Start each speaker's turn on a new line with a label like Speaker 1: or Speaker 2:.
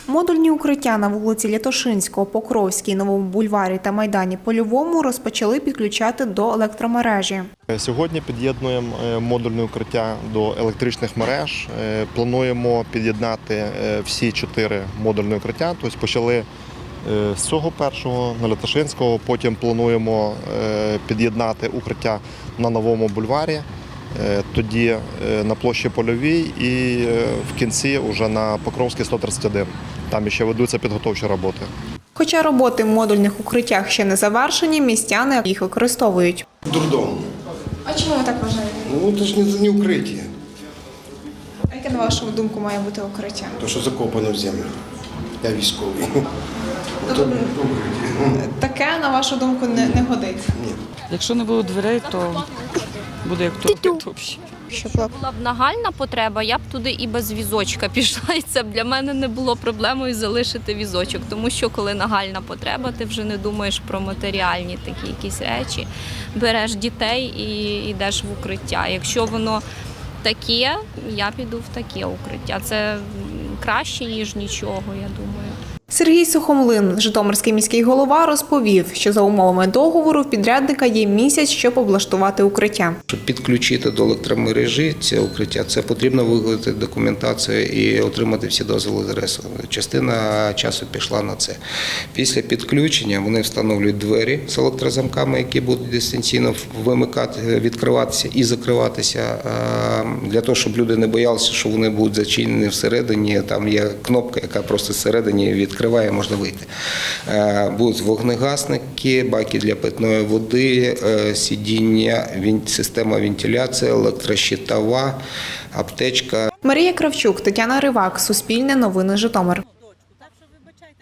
Speaker 1: Модульні укриття на вулиці Лятошинського, Покровській, Новому бульварі та Майдані Польовому розпочали підключати до електромережі.
Speaker 2: Сьогодні під'єднуємо модульне укриття до електричних мереж. Плануємо під'єднати всі 4 модульні укриття. Тобто почали з цього першого, на Лятошинського, потім плануємо під'єднати укриття на Новому бульварі, тоді на площі Польовій і в кінці вже на Покровській 131. Там ще ведуться підготовчі роботи.
Speaker 1: Хоча роботи в модульних укриттях ще не завершені, містяни їх використовують.
Speaker 3: Дурдом.
Speaker 1: А чому ви так вважаєте?
Speaker 3: Ну, це ж не укриття,
Speaker 1: А яке, на вашу думку, має бути укриття?
Speaker 3: то що закопано в землю. Я військовий.
Speaker 1: Таке, на вашу думку, не годиться?
Speaker 4: Якщо не буде дверей, то буде як туалет взагалі.
Speaker 5: Була б нагальна потреба, я б туди і без візочка пішла. І це б для мене не було проблемою залишити візочок. Тому що коли нагальна потреба, ти вже не думаєш про матеріальні такі якісь речі. Береш дітей і йдеш в укриття. Якщо воно таке, я піду в таке укриття. Це краще, ніж нічого, я думаю.
Speaker 1: Сергій Сухомлин, житомирський міський голова, розповів, що за умовами договору в підрядника є місяць, щоб облаштувати укриття.
Speaker 6: Щоб підключити до електромережі це укриття, це потрібно виготовити документацію і отримати всі дозволи з РЕСу. Частина часу пішла на це. Після підключення вони встановлюють двері з електрозамками, які будуть дистанційно вимикати, відкриватися і закриватися, для того, щоб люди не боялися, що вони будуть зачинені всередині. Там є кнопка, яка просто всередині відкриває, можна вийти. Будуть вогнегасники, баки для питної води, сидіння, система вентиляції, електрощитова, аптечка.
Speaker 1: Марія Кравчук, Тетяна Ривак, Суспільне новини, Житомир.